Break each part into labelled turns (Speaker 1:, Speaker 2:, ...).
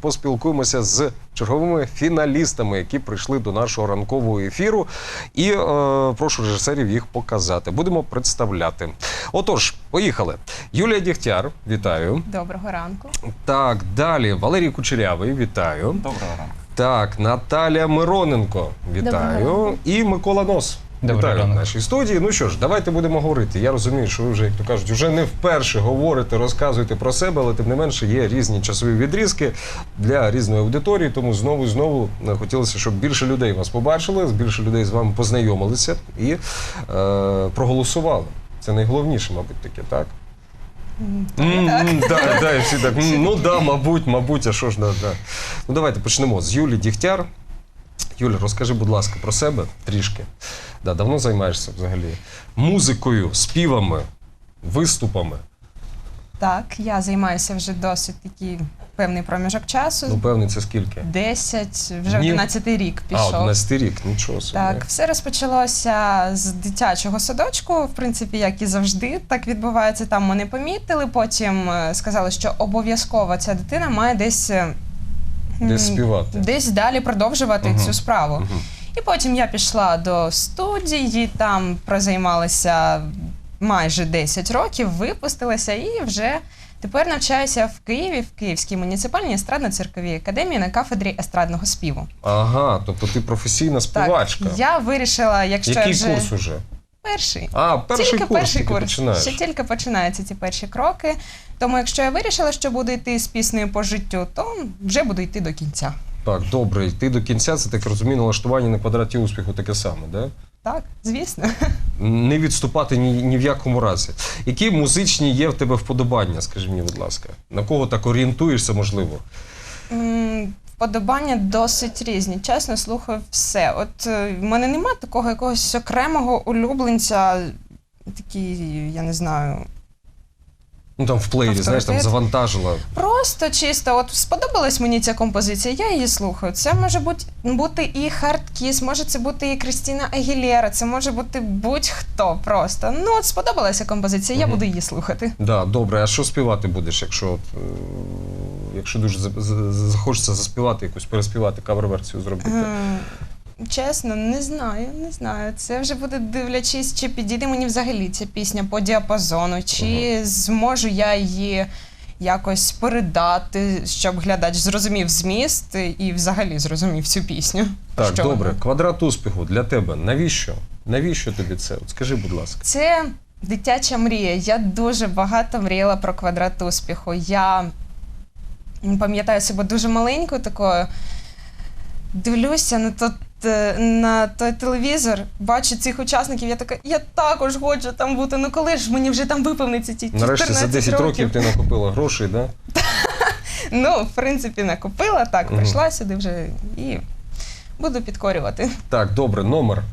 Speaker 1: поспілкуємося з черговими фіналістами, які прийшли до нашого ранкового ефіру. І прошу режисерів їх показати. Будемо представляти. Отож, поїхали. Юлія Дігтяр, вітаю.
Speaker 2: Доброго ранку.
Speaker 1: Так, далі. Валерій Кучерявий, вітаю.
Speaker 3: Доброго ранку.
Speaker 1: Так, Наталя Мироненко, вітаю. І Микола Нос. Вітаю в нашій студії. Ну що ж, давайте будемо говорити. Я розумію, що ви вже, як то кажуть, вже не вперше говорите, розказуєте про себе, але тим не менше є різні часові відрізки для різної аудиторії, тому знову хотілося, щоб більше людей вас побачили, більше людей з вами познайомилися і проголосували. Це найголовніше, мабуть, таке, так? Так, всі так, ну да, мабуть, а що ж, да. Ну давайте почнемо з Юлії Дігтяр. Юля, розкажи, будь ласка, про себе трішки. Да, давно займаєшся взагалі музикою, співами, виступами?
Speaker 2: Так, я займаюся вже досить такий певний проміжок часу.
Speaker 1: Ну, певний, це скільки?
Speaker 2: 10, вже 11-й рік пішов.
Speaker 1: 11-й рік, нічого собі.
Speaker 2: Так, все розпочалося з дитячого садочку, в принципі, як і завжди, так відбувається. Там мене помітили, потім сказали, що обов'язково ця дитина має десь
Speaker 1: співати.
Speaker 2: Десь далі продовжувати цю справу. І потім я пішла до студії, там прозаймалася майже 10 років, випустилася і вже тепер навчаюся в Києві, в Київській муніципальній естрадно-цирковій академії на кафедрі естрадного співу.
Speaker 1: Ага, тобто ти професійна співачка.
Speaker 2: Так, я вирішила, якщо
Speaker 1: Який курс уже?
Speaker 2: Перший.
Speaker 1: Перший курс,
Speaker 2: тільки
Speaker 1: починаєш.
Speaker 2: Ще тільки починаються ці перші кроки. Тому якщо я вирішила, що буду йти з піснею по життю, то вже буду йти до кінця.
Speaker 1: Так, добре, йти до кінця, це, так розумію, налаштування на квадраті успіху таке саме, да?
Speaker 2: Так, звісно.
Speaker 1: Не відступати ні в якому разі. Які музичні є в тебе вподобання, скажи мені, будь ласка? На кого так орієнтуєшся, можливо?
Speaker 2: Вподобання досить різні. Чесно, слухаю все. От в мене немає такого якогось окремого улюбленця, такий, я не знаю...
Speaker 1: Ну там в плеєрі, знаєш, там завантажила.
Speaker 2: Просто чисто, от сподобалась мені ця композиція, я її слухаю. Це може бути і Hard Kiss, може це бути і Крістіна Агілєра, це може бути будь-хто просто. Ну от сподобалася композиція, я буду її слухати.
Speaker 1: Да, добре, а що співати будеш, якщо дуже захочеться заспівати, якусь переспівати, кавер-версію зробити?
Speaker 2: Чесно, не знаю. Це вже буде дивлячись, чи підійде мені взагалі ця пісня по діапазону, чи зможу я її якось передати, щоб глядач зрозумів зміст і взагалі зрозумів цю пісню.
Speaker 1: Так, добре. Квадрат успіху для тебе. Навіщо? Навіщо тобі це? От скажи, будь ласка.
Speaker 2: Це дитяча мрія. Я дуже багато мріяла про квадрат успіху. Я пам'ятаю себе дуже маленькою такою, дивлюся на той телевізор, бачу цих учасників, я така, я також хочу там бути, ну коли ж мені вже там виповниться ці 14 років.
Speaker 1: Нарешті за 10 років ти накопила грошей, да?
Speaker 2: Ну, в принципі, накопила, так, прийшла сюди вже і буду підкорювати.
Speaker 1: Так, добре, номер?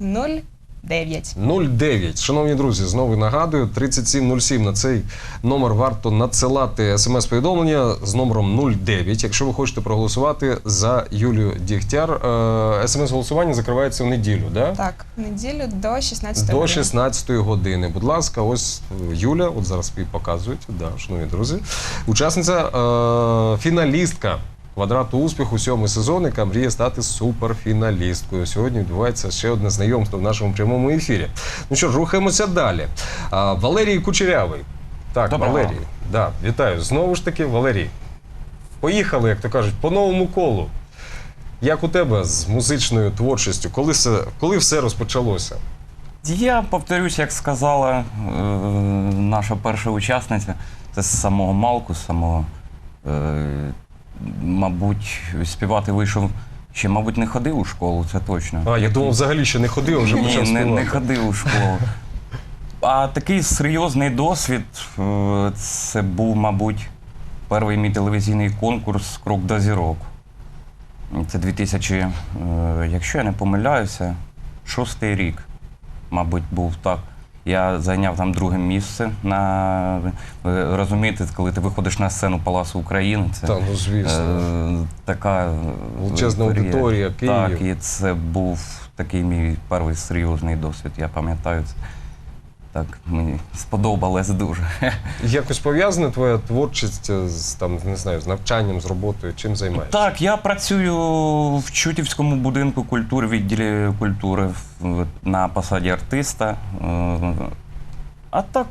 Speaker 2: 09.
Speaker 1: 09. Шановні друзі, знову нагадую, 3707 на цей номер варто надсилати смс-повідомлення з номером 09, якщо ви хочете проголосувати за Юлію Дігтяр. СМС-голосування закривається в неділю, да?
Speaker 2: Так, в неділю до 16
Speaker 1: години. До 16 години. Будь ласка, ось Юля, от зараз її показують, да, шановні друзі. Учасниця, фіналістка квадрату успіху 7-й сезон, яка мріє стати суперфіналісткою. Сьогодні відбувається ще одне знайомство в нашому прямому ефірі. Ну що ж, рухаємося далі. Валерій Кучерявий. Так, доброго. Валерій. Да, вітаю. Знову ж таки, Валерій. Поїхали, як то кажуть, по новому колу. Як у тебе з музичною творчістю? Коли все розпочалося?
Speaker 3: Я повторюсь, як сказала наша перша учасниця, це з самого малку, з самого... Мабуть, співати вийшов ще, мабуть, не ходив у школу, це точно.
Speaker 1: Я думав, взагалі ще не ходив, а вже почав співати.
Speaker 3: Ні, не ходив у школу. А такий серйозний досвід, це був, мабуть, перший мій телевізійний конкурс «Крок до зірок». Це 2000, якщо я не помиляюся, 6-й рік, мабуть, був так. Я зайняв там друге місце. Ви розумієте, коли ти виходиш на сцену Палацу України, це
Speaker 1: ну, звісно.
Speaker 3: Така
Speaker 1: величезна аудиторія, Київ.
Speaker 3: Так, і це був такий мій перший серйозний досвід, я пам'ятаю це. Так, мені сподобалось дуже.
Speaker 1: Якось пов'язана твоя творчість з, там, не знаю, з навчанням, з роботою? Чим займаєшся?
Speaker 3: Так, я працюю в Чутівському будинку культури, відділі культури на посаді артиста. А так,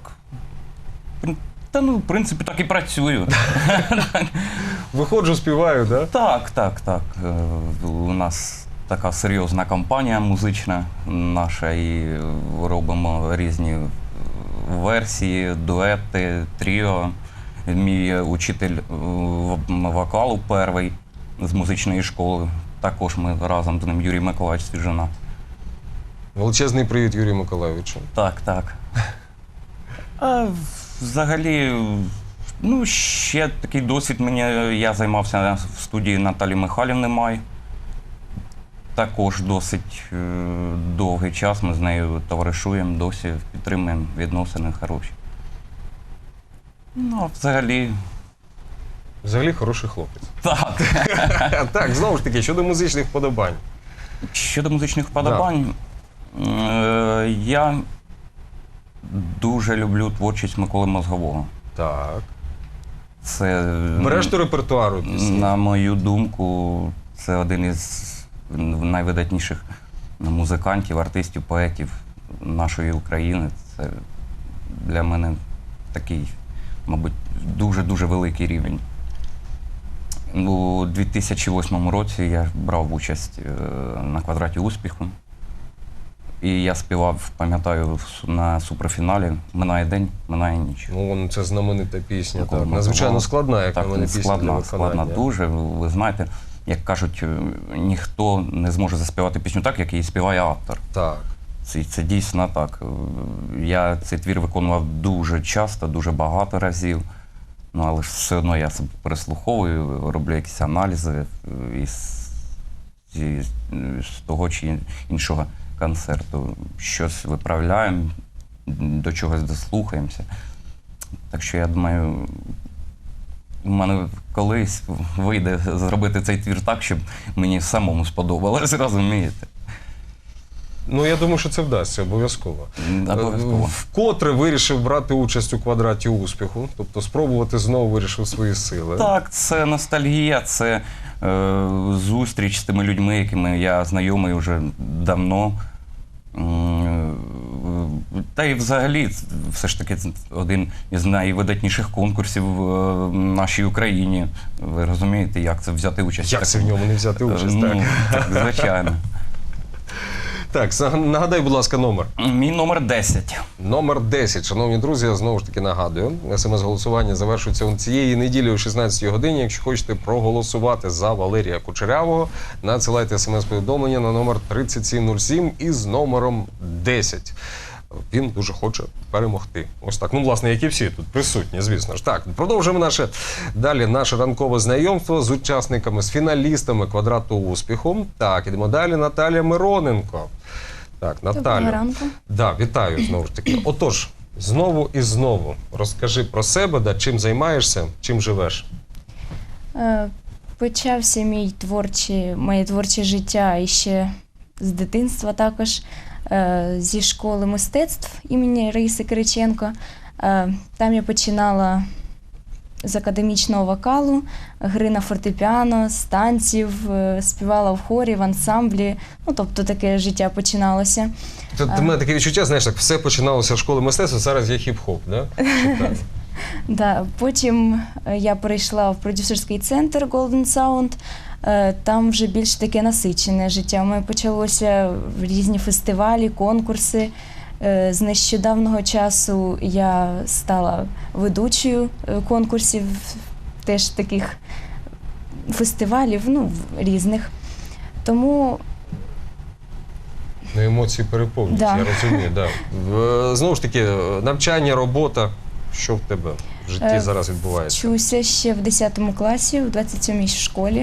Speaker 3: в принципі, так і працюю.
Speaker 1: Виходжу, співаю, да?
Speaker 3: Так. У нас така серйозна компанія музична наша, і робимо різні версії, дуети, тріо. Мій учитель вокалу перший з музичної школи. Також ми разом з ним, Юрій Миколаївич Свіжина.
Speaker 1: Величезний привіт Юрію Миколайовичу.
Speaker 3: Так. А взагалі, ще такий досвід я займався в студії Наталі Михайлівни Май. Також досить довгий час ми з нею товаришуємо, досі підтримуємо відносини хороші. Взагалі.
Speaker 1: Взагалі хороший хлопець.
Speaker 3: Так.
Speaker 1: Так, знову ж таки, щодо музичних вподобань.
Speaker 3: Щодо музичних вподобань, я дуже люблю творчість Миколи Мозгового.
Speaker 1: Так.
Speaker 3: Це,
Speaker 1: Береш до репертуару пісні?
Speaker 3: на мою думку, це один із найвидатніших музикантів, артистів, поетів нашої України. Це для мене такий, мабуть, дуже-дуже великий рівень. У 2008 році я брав участь на «Квадраті успіху». І я співав, пам'ятаю, на суперфіналі «Минає день, минає ніч».
Speaker 1: Ну, це знаменита пісня,
Speaker 3: Микола
Speaker 1: так. Надзвичайно
Speaker 3: Мозгового.
Speaker 1: складна, як на мене, пісня для виконання.
Speaker 3: Складна дуже. Ви знаєте, як кажуть, ніхто не зможе заспівати пісню так, як її співає автор.
Speaker 1: Так.
Speaker 3: Це дійсно так. Я цей твір виконував дуже часто, дуже багато разів. Але ж все одно я себе переслуховую, роблю якісь аналізи з того чи іншого концерту. Щось виправляємо, до чогось дослухаємося. Так що я думаю, у мене колись вийде зробити цей твір так, щоб мені самому сподобалось, розумієте?
Speaker 1: Ну, я думаю, що це вдасться, обов'язково.
Speaker 3: Обов'язково.
Speaker 1: Вкотре вирішив брати участь у «Квадраті успіху», тобто спробувати знову вирішив свої сили.
Speaker 3: Так, це ностальгія, це зустріч з тими людьми, якими я знайомий вже давно. Та й взагалі, все ж таки, один із найвидатніших конкурсів в нашій Україні. Ви розумієте, як це взяти участь?
Speaker 1: Як це в ньому не взяти участь? Так.
Speaker 3: Так, звичайно.
Speaker 1: Так, нагадай, будь ласка, номер.
Speaker 3: Мій номер 10.
Speaker 1: Номер 10. Шановні друзі, я знову ж таки нагадую, СМС-голосування завершується цієї неділі о 16-й годині. Якщо хочете проголосувати за Валерія Кучерявого, надсилайте смс-повідомлення на номер 3707 із номером 10. Він дуже хоче перемогти. Ось так. Ну, власне, як і всі тут присутні, звісно ж. Так, продовжуємо наше ранкове знайомство з учасниками, з фіналістами «Квадрату успіху». Так, ідемо далі. Наталія Мироненко. Так, Наталю.
Speaker 4: Доброго ранку.
Speaker 1: Да, вітаю знову ж таки. Отож, знову і знову розкажи про себе, чим займаєшся, чим живеш.
Speaker 4: Почався моє творче життя іще з дитинства також, зі школи мистецтв імені Раїси Кириченко. Там я починала з академічного вокалу, гри на фортепіано, з танців, співала в хорі, в ансамблі. Ну, тобто таке життя починалося.
Speaker 1: Ти мене таке відчуття, знаєш, так все починалося з школи мистецтва, зараз є хіп-хоп, да?
Speaker 4: Да. Потім я перейшла в продюсерський центр Golden Sound. Там вже більш таке насичене життя. У мене почалося різні фестивалі, конкурси. З нещодавнього часу я стала ведучою конкурсів, теж таких фестивалів, різних. Тому
Speaker 1: Емоції переповнюють,
Speaker 4: Да.
Speaker 1: я розумію. Да. Знову ж таки, навчання, робота, що в тебе в житті зараз відбувається?
Speaker 4: вчуся ще в 10 класі, в 27-й школі.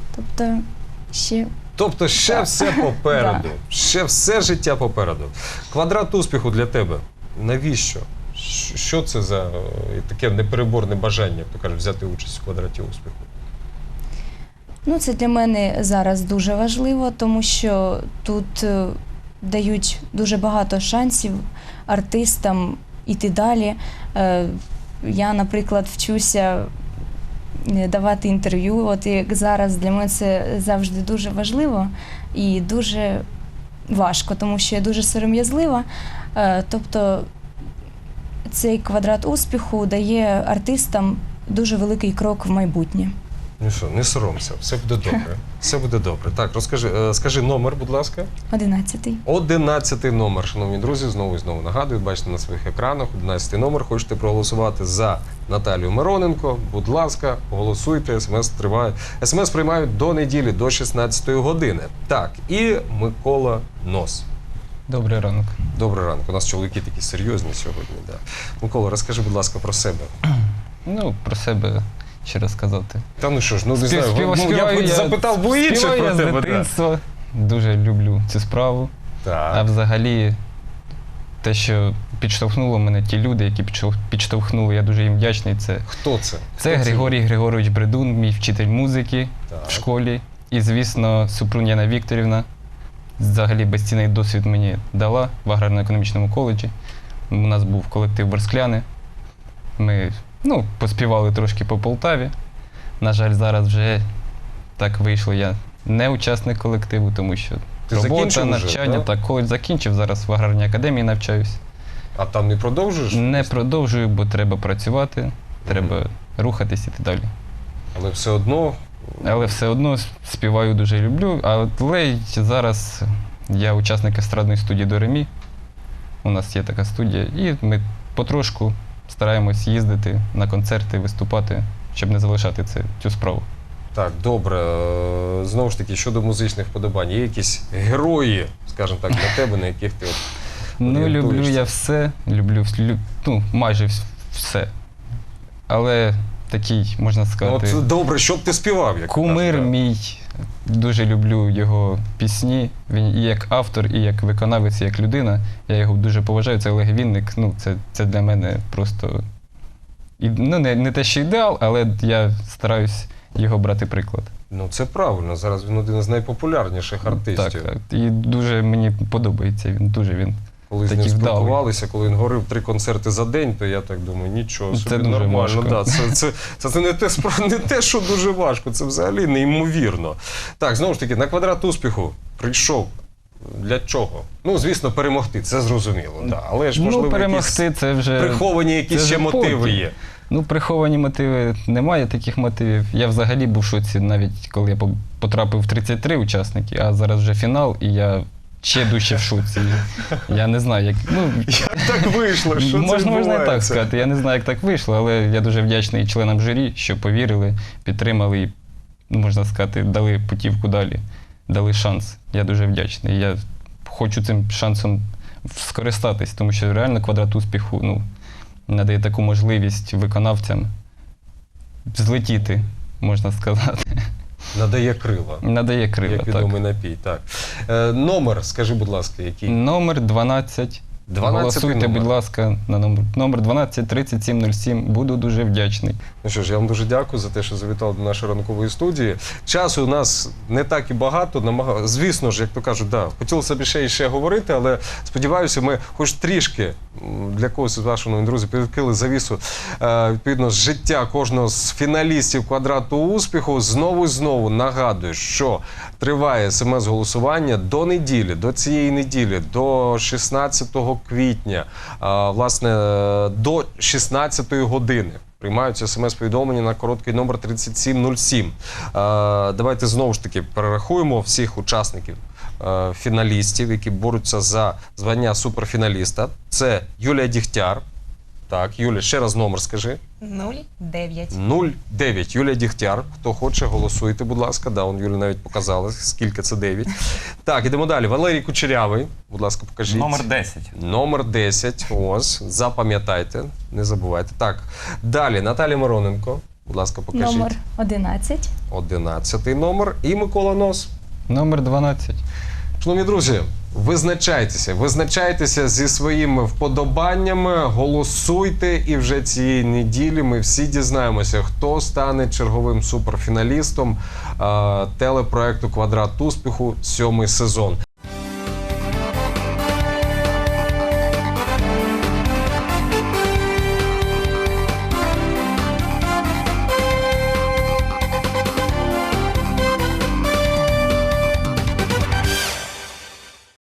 Speaker 4: Тобто ще
Speaker 1: Так. все попереду. Ще все життя попереду. «Квадрат успіху» для тебе. Навіщо? Що це за таке непереборне бажання, як то кажуть, взяти участь у «Квадраті успіху»?
Speaker 4: Це для мене зараз дуже важливо, тому що тут дають дуже багато шансів артистам іти далі. Я, наприклад, вчуся давати інтерв'ю. От як зараз для мене це завжди дуже важливо і дуже важко, тому що я дуже сором'язлива. Тобто цей квадрат успіху дає артистам дуже великий крок в майбутнє.
Speaker 1: Ну що, не соромся, все буде добре. Все буде добре. Так, розкажи, скажи номер, будь ласка.
Speaker 4: 11-й.
Speaker 1: 11 номер, шановні друзі, знову і знову нагадую, бачите на своїх екранах, 11 номер. Хочете проголосувати за Наталію Мироненко? Будь ласка, голосуйте, смс триває. СМС приймають до неділі, до 16 години. Так, і Микола Нос.
Speaker 5: Добрий ранок.
Speaker 1: Добрий ранок. У нас чоловіки такі серйозні сьогодні. Да. Микола, розкажи, будь ласка, про себе.
Speaker 5: Ну, про себе ще розказати.
Speaker 1: Та ну що ж, ну не знаю,
Speaker 5: Співаю
Speaker 1: я запитав бо інше
Speaker 5: співаю
Speaker 1: про
Speaker 5: я з
Speaker 1: тебе. Да.
Speaker 5: дитинства. Дуже люблю цю справу. А
Speaker 1: Так.
Speaker 5: взагалі, те, що підштовхнуло мене, ті люди, які підштовхнули, я дуже їм вдячний.
Speaker 1: Хто це?
Speaker 5: Це
Speaker 1: Хто
Speaker 5: Григорій Григорович Бредун, мій вчитель музики
Speaker 1: Так.
Speaker 5: в школі. І, звісно, Супрун Яна Вікторівна. Взагалі безцінний досвід мені дала в аграрно-економічному коледжі. У нас був колектив «Борскляни». Ми поспівали трошки по Полтаві. На жаль, зараз вже так вийшло. Я не учасник колективу, тому що
Speaker 1: Ти
Speaker 5: робота,
Speaker 1: закінчив уже,
Speaker 5: навчання.
Speaker 1: да?
Speaker 5: Так, коледж закінчив, зараз в аграрній академії навчаюсь.
Speaker 1: А там не продовжуєш?
Speaker 5: Не продовжую, бо треба працювати, треба рухатись іти далі.
Speaker 1: Але все одно.
Speaker 5: Але все одно співаю дуже люблю. Але зараз я учасник естрадної студії «До ре мі». У нас є така студія. І ми потрошку стараємось їздити на концерти, виступати, щоб не залишати цю справу.
Speaker 1: Так, добре. Знову ж таки, щодо музичних вподобань, є якісь герої, скажімо так, для тебе, на яких ти
Speaker 5: Ну, люблю
Speaker 1: орієнтуєшся?
Speaker 5: я все, люблю майже все. Але такий, можна
Speaker 1: Ну,
Speaker 5: сказати,
Speaker 1: от добре, що б ти співав? Як
Speaker 5: кумир
Speaker 1: кажуть, да.
Speaker 5: мій. Дуже люблю його пісні. Він і як автор, і як виконавець, і як людина. Я його дуже поважаю. Це Олег Вінник. Це для мене просто не те, що ідеал, але я стараюсь його брати приклад.
Speaker 1: Ну, це правильно. Зараз він один з найпопулярніших артистів.
Speaker 5: Так. І дуже мені подобається він.
Speaker 1: Коли з ним
Speaker 5: такий вдалий.
Speaker 1: спілкувалися, коли він говорив 3 концерти за день, то я так думаю, нічого
Speaker 5: Це
Speaker 1: собі,
Speaker 5: дуже
Speaker 1: нормально.
Speaker 5: важко.
Speaker 1: Да, це не те, що дуже важко, це взагалі неймовірно. Так, знову ж таки, на квадрат успіху прийшов. Для чого? Ну, звісно, перемогти, це зрозуміло. Да. Але ж, можливо,
Speaker 5: перемогти
Speaker 1: якісь
Speaker 5: це вже
Speaker 1: приховані якісь
Speaker 5: це
Speaker 1: ще
Speaker 5: вже
Speaker 1: мотиви
Speaker 5: потім.
Speaker 1: є.
Speaker 5: Приховані мотиви, немає таких мотивів. Я взагалі був в шоці, навіть коли я потрапив в 33 учасники, а зараз вже фінал, і я ще дужче в шоці. Я не знаю, як.
Speaker 1: Як так вийшло? Що це
Speaker 5: Можна і так
Speaker 1: відбувається?
Speaker 5: сказати. Я не знаю, як так вийшло, але я дуже вдячний членам журі, що повірили, підтримали і, можна сказати, дали путівку далі, дали шанс. Я дуже вдячний. Я хочу цим шансом скористатись, тому що реально квадрат успіху надає таку можливість виконавцям злетіти, можна сказати.
Speaker 1: Надає крила.
Speaker 5: Надає крила,
Speaker 1: Як
Speaker 5: так.
Speaker 1: відомий напій, так. Номер, скажи, будь ласка, який?
Speaker 5: Номер 12.
Speaker 1: 12-й
Speaker 5: Голосуйте,
Speaker 1: номер.
Speaker 5: будь ласка, на номер 12 3707. Буду дуже вдячний.
Speaker 1: Ну що ж, я вам дуже дякую за те, що завітали до нашої ранкової студії. Часу у нас не так і багато. Звісно ж, як то кажуть, да, хотілося б ще і ще говорити, але сподіваюся, ми хоч трішки для когось із ваших нових друзів відкрили завісу відповідно з життя кожного з фіналістів квадрату успіху. Знову і знову нагадую, що триває СМС-голосування до неділі, до цієї неділі, до 16 квітня, власне, до 16-ї години. Приймаються смс-повідомлення на короткий номер 3707. Давайте знову ж таки перерахуємо всіх учасників, фіналістів, які борються за звання суперфіналіста. Це Юлія Дігтяр. Так, Юля, ще раз номер скажи.
Speaker 2: 09.
Speaker 1: 09. Юлія Дігтяр. Хто хоче, голосуйте, будь ласка. Да, он Юлі навіть показала, скільки це 9. Так, ідемо далі. Валерій Кучерявий. Будь ласка, покажіть.
Speaker 3: Номер 10.
Speaker 1: Номер 10. Ось. Запам'ятайте. Не забувайте. Так. Далі. Наталія Мироненко. Будь ласка, покажіть.
Speaker 4: Номер 11.
Speaker 1: 11-й номер. І Микола Нос.
Speaker 5: Номер 12.
Speaker 1: Шановні друзі, визначайтеся зі своїми вподобаннями, голосуйте, і вже цієї неділі ми всі дізнаємося, хто стане черговим суперфіналістом телепроекту «Квадрат успіху» 7-й сезон.